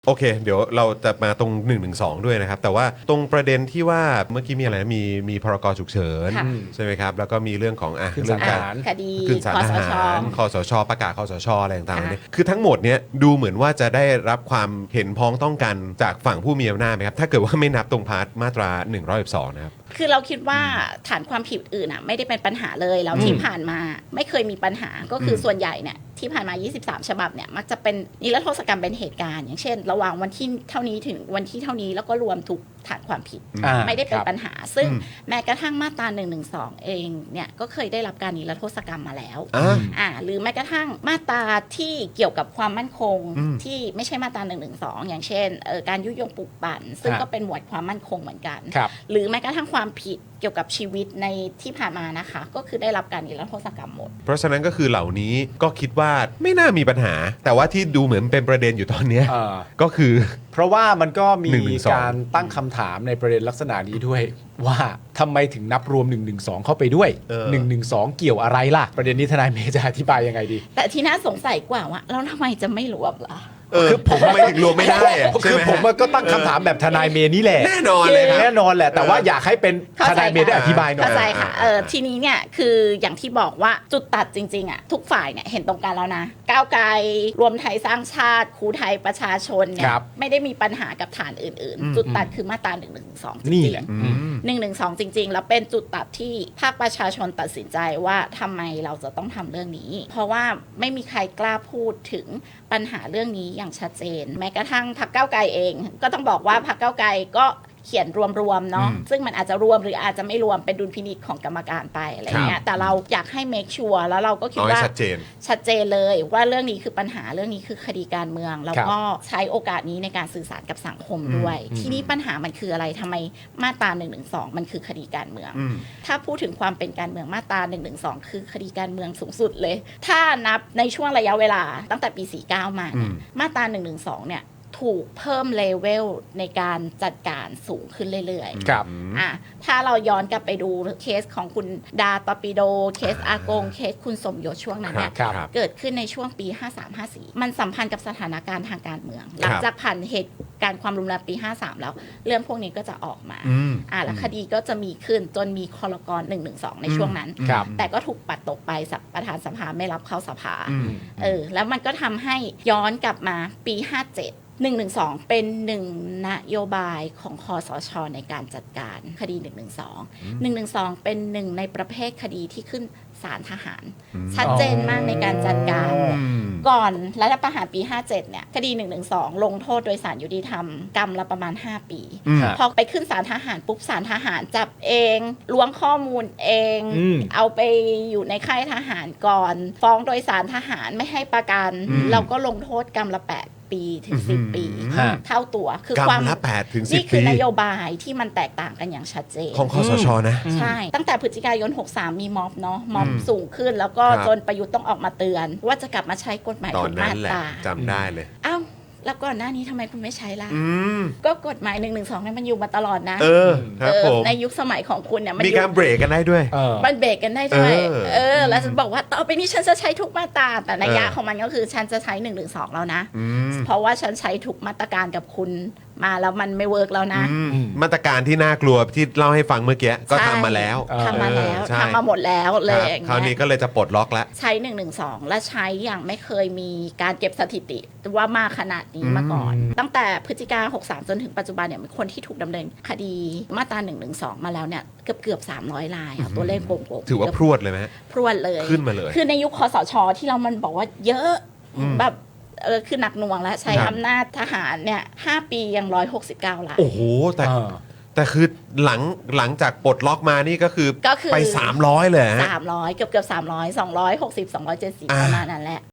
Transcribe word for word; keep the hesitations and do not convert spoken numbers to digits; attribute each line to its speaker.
Speaker 1: โอเคเดี๋ยวเราจะมาตรงหนึ่งหนึ่งสองด้วยนะครับแต่ว่าตรงประเด็นที่ว่าเมื่อกี้มีอะไรนะมีมีพรกฉุกเฉิน
Speaker 2: ค่ะ
Speaker 1: ใช่ไหมครับแล้วก็มีเรื่องของอ่ะ
Speaker 3: ขึ้น
Speaker 1: เรื่
Speaker 3: ศาล
Speaker 1: การ
Speaker 3: ทหาร
Speaker 2: คดี
Speaker 1: ขึ้นศาล
Speaker 2: ค
Speaker 1: ท
Speaker 2: สช
Speaker 1: หารคสชประกาศคสชอะไรต่างๆ
Speaker 2: ค่ะ
Speaker 1: เนี่ยคือทั้งหมดเนี้ยดูเหมือนว่าจะได้รับความเห็นพ้องต้องกันจากฝั่งผู้มีอำนาจไหมครับถ้าเกิดว่าไม่นับตรงพาร์ทมาตราหนึ่งร้อยสิบสองนะครับ
Speaker 2: คือเราคิดว่าฐานความผิดอื่นอ่ะไม่ได้เป็นปัญหาเลยแล้วที่ผ่านมาไม่เคยมีปัญหาก็คือส่วนใหญ่เนี่ยที่ผ่านมายี่สิบสามฉบับเนี่ยมักจะเป็นนิรโทษกรรมเป็นเหตุการณ์อย่างเช่น ระหว่างวันที่เท่านี้ถึงวันที่เท่านี้แล้วก็รวมทุกฐานความผิด
Speaker 3: อ่า
Speaker 2: ไม่ได้เป็น
Speaker 3: ครับ
Speaker 2: ปัญหา ซึ่ง
Speaker 1: อืม
Speaker 2: แม้กระทั่งมาตราหนึ่งหนึ่งสองเองเนี่ยก็เคยได้รับการนิรโทษกรรมมาแล้ว
Speaker 1: อ่า
Speaker 2: อ่าหรือแม้กระทั่งมาตราที่เกี่ยวกับความมั่นคง
Speaker 1: อืม
Speaker 2: ที่ไม่ใช่มาตราหนึ่งหนึ่งสองอย่างเช่นเอ่อการยุยงปลุกปั่น ซึ่ง
Speaker 3: ฮะ
Speaker 2: ก็เป็นหมวดความมั่นคงเหมือนกัน
Speaker 3: ครับ
Speaker 2: หรือแม้กระทั่งความผิดเกี่ยวกับชีวิตในที่ผ่านมานะคะ ก็คือได้รับการนิรโทษกรรมหมด
Speaker 1: เพราะฉะนั้นก็คือเหล่านี้ก็คิดว่าไม่น่ามีปัญหา แต่ว่าที่ดูเหมือนเป็นประเด็นอยู่ตอนเนี้ย
Speaker 3: เอ่อ
Speaker 1: ก็คือ
Speaker 3: เพราะว่ามันก็มี
Speaker 1: หนึ่งหนึ่งสอง
Speaker 3: การตั้งคำถามในประเด็นลักษณะนี้ด้วย ว่าทำไมถึงนับรวมหนึ่งหนึ่งสองเข้าไปด้วย
Speaker 1: เออ
Speaker 3: หนึ่งหนึ่งสองเกี่ยวอะไรล่ะ ประเด็นนี้ทนายเมย์จะอธิบายยังไงดี
Speaker 2: แต่ที่น่าสงสัยกว่าว่าแล้วทำไมจะไม่รวมล่ะ
Speaker 1: เออผมทำไมถึงรวมไม่ได้อะ
Speaker 3: คือ
Speaker 1: ใช่ไห
Speaker 3: ผมก็ตั้งคำถามแบบทนายเมย์นี่แหละ
Speaker 1: แน่นอนเลยครับ
Speaker 3: แน่นอนแหละ แต่ว่าอยากให้เป็นทนายเมย์ได้อธิบายหน่อย
Speaker 2: เข้าใจค่ะเออทีนี้เนี่ยคืออย่างที่บอกว่าจุดตัดจริงๆอ่ะทุกฝ่ายเนี่ยเห็นตรงกันแล้วนะก้าวไกลรวมไทยสร้างชาติครูไทยประชาชนเนี่
Speaker 3: ค
Speaker 2: ย
Speaker 3: รับ
Speaker 2: ไม่ได้มีปัญหากับฐานอื่นๆ จุดตัดคือมาตราหนึ่งหนึ่งสองจ
Speaker 3: นี่
Speaker 2: ริง
Speaker 3: แหละ
Speaker 2: ๆหนึ่งหนึ่งสองจริง ๆ แล้วเป็นจุดตัดที่ภาคประชาชนตัดสินใจว่าทำไมเราจะต้องทำเรื่องนี้ เพราะว่าไม่มีใครกล้าพูดถึงปัญหาเรื่องนี้อย่างชัดเจน แม้กระทั่งพรรคก้าวไกลเอง ก็ต้องบอกว่าพรรคก้าวไกลก็เขียนรวมๆเนาะ
Speaker 1: อืม
Speaker 2: ซึ่งมันอาจจะรวมหรืออาจจะไม่รวมเป็นดุลพินิจของกรรมการไปอะไรเงี้ยแต่เราอยากให้ make sure แล้วเราก็คิด
Speaker 1: เอาให้
Speaker 2: ว่า
Speaker 1: ชัดเจน
Speaker 2: ชัดเจนเลยว่าเรื่องนี้คือปัญหาเรื่องนี้คือคดีการเมือง แล้วก็ใช้โอกาสนี้ในการสื่อสารกับสังคมด้วย ทีนี้ปัญหามันคืออะไรทำไมมาตราหนึ่งหนึ่งสองมันคือคดีการเมือง
Speaker 1: อืม
Speaker 2: ถ้าพูดถึงความเป็นการเมืองมาตราหนึ่งหนึ่งสองคือคดีการเมืองสูงสุดเลย ถ้านับในช่วงระยะเวลาตั้งแต่ปีสี่สิบเก้ามาเนี่ย
Speaker 1: อืม
Speaker 2: มาตราหนึ่งหนึ่งสองเนี่ยถูกเพิ่มเลเวลในการจัดการสูงขึ้นเรื่อยๆ
Speaker 3: ครับ
Speaker 2: อ่ะถ้าเราย้อนกลับไปดูเคสของคุณดาตอปิโด เคสอากง เคสคุณสมยศช่วงนั้นเนี่ย
Speaker 3: ครับ
Speaker 2: เกิดขึ้นในช่วงปี ห้าสาม ห้าสี่ มันสัมพันธ์กับสถานการณ์ทางการเมือง หลังจากผ่านเหตุการณ์ความรุนแรงปี ห้าสาม แล้ว เรื่องพวกนี้ก็จะออกมา
Speaker 1: อืม
Speaker 2: อ่ะแล้วคดีก็จะมีขึ้นจนมีคอลกรหนึ่งหนึ่งสองในช่วงนั้น
Speaker 3: ครับ
Speaker 2: แต่ก็ถูกปัดตกไปสัปประธานสภาไม่รับเข้าสภา
Speaker 1: อืม
Speaker 2: เออแล้วมันก็ทำให้ย้อนกลับมาปี ห้าเจ็ด หนึ่งหนึ่งสองเป็นหนึ่งนโยบายของคอสชในการจัดการคดีหนึ่งหนึ่งสอง หนึ่งหนึ่งสองเป็นหนึ่งในประเภทคดีที่ขึ้นศาลทหาร ชัดเจนมากในการจัดการ
Speaker 1: อืม
Speaker 2: ก่อนรัฐประหารปี ห้าเจ็ด เนี่ยคดีหนึ่งหนึ่งสองลงโทษโดยศาลยุติธรรมกรรมละประมาณ ห้า ปี
Speaker 1: อืม
Speaker 2: พอไปขึ้นศาลทหารปุ๊บศาลทหารจับเองล้วงข้อมูลเอง
Speaker 3: อืม
Speaker 2: เอาไปอยู่ในค่ายทหารก่อน ฟ้องโดยศาลทหารไม่ให้ประกัน
Speaker 1: อืม
Speaker 2: เราก็ลงโทษกรรมละแปดปีถึงสิบปี
Speaker 3: ฮะ
Speaker 2: เท่าตัวคือก
Speaker 1: รรม
Speaker 2: ความ
Speaker 1: ละแปดถึงสิบ
Speaker 2: นี่คือ
Speaker 1: ปี
Speaker 2: นโยบายที่มันแตกต่างกันอย่างชัดเจน
Speaker 1: ของคสชนะ
Speaker 2: ใช่ ตั้งแต่พฤศจิกายน หกสาม มีม็อบเนาะ ม็อบ
Speaker 1: อืม
Speaker 2: สูงขึ้น แล้วก็
Speaker 1: ครับ
Speaker 2: จนประยุทธ์ต้องออกมาเตือน ว่าจะกลับมาใช้กฎหมาย
Speaker 1: ตอ
Speaker 2: ทุ
Speaker 1: น
Speaker 2: ก
Speaker 1: นั้
Speaker 2: มาน
Speaker 1: แหละ
Speaker 2: ตรา
Speaker 1: จำได้เลย
Speaker 2: เอ้า แล้วก่อนหน้านี้ทำไมคุณไม่ใช้ล่ะ
Speaker 1: อืม
Speaker 2: ก็กฎหมายหนึ่งหนึ่งสองเนี่ยมันอยู่มาตลอดนะ
Speaker 1: เออครับ
Speaker 2: เออ
Speaker 1: ผม
Speaker 2: ในยุคสมัยของคุณเนี่ยมัน
Speaker 1: มี
Speaker 2: อยู่
Speaker 1: การเบรกกันได้ด้วย
Speaker 3: เออ
Speaker 2: มันเบรกกันได้ด้วย
Speaker 1: เออ
Speaker 2: เออ แล้วจะบอกว่าต่อไปนี้ฉันจะใช้ทุกมาตรา แต่นัยยะ
Speaker 1: เออ
Speaker 2: ของมันก็คือฉันจะใช้หนึ่งหนึ่งสองแล้วนะ
Speaker 1: อืม
Speaker 2: เพราะว่าฉันใช้ทุกมาตรการกับคุณมาแล้วมันไม่เวิร์กแล้วนะ
Speaker 1: อืมมาตรการที่น่ากลัวที่เล่าให้ฟังเมื่อกี้ก็
Speaker 2: ใช่
Speaker 1: ทำมาแล้ว
Speaker 3: เออ
Speaker 2: ทำมาแล้ว
Speaker 1: ใช่
Speaker 2: ทำมาหมดแล้วเล
Speaker 1: ค
Speaker 2: ย
Speaker 1: รับ
Speaker 2: อย่าง
Speaker 1: คราว
Speaker 2: เงี้
Speaker 1: นี้
Speaker 2: ย
Speaker 1: ก็เลยจะปลดล็อกแล้ว
Speaker 2: ใช้หนึ่งหนึ่งสองและใช้อย่างไม่เคยมีการเก็บสถิติว่ามากขนาดนี้มาก่อน ตั้งแต่พฤศจิกาหกสามจนถึงปัจจุบันเนี่ยมีคนที่ถูกดำเนินคดีมาตราหนึ่งหนึ่งสองมาแล้วเนี่ยเกือบเกือบสามร้อยรายอะตัวเลขโกงๆ
Speaker 1: ถือว่าพรวดเลยไหม
Speaker 2: พรวดเลย
Speaker 1: ขึ้นมาเลย
Speaker 2: คือในยุคคสชที่เรามันบอกว่าเยอะ
Speaker 1: อืม
Speaker 2: แบบเออคือหนักหน่วงแล้วใช้
Speaker 1: ครับ
Speaker 2: อำนาจทหารเนี่ยห้าปียังร้อยหกสิบเก้าราย
Speaker 1: โอ้โหแต่
Speaker 3: เออ
Speaker 1: แต่คือหลังหลังจากปลดล็อกมานี่ก็คือ
Speaker 2: ก็คือ
Speaker 1: ไปสามร้อยเลยฮะ
Speaker 2: สามร้อยเกือบเกือบสามร้อยสองร้อยหกสิบสองร้อยเจ็ดสิบ
Speaker 1: อ่า
Speaker 2: ประมาณนั้นแหละ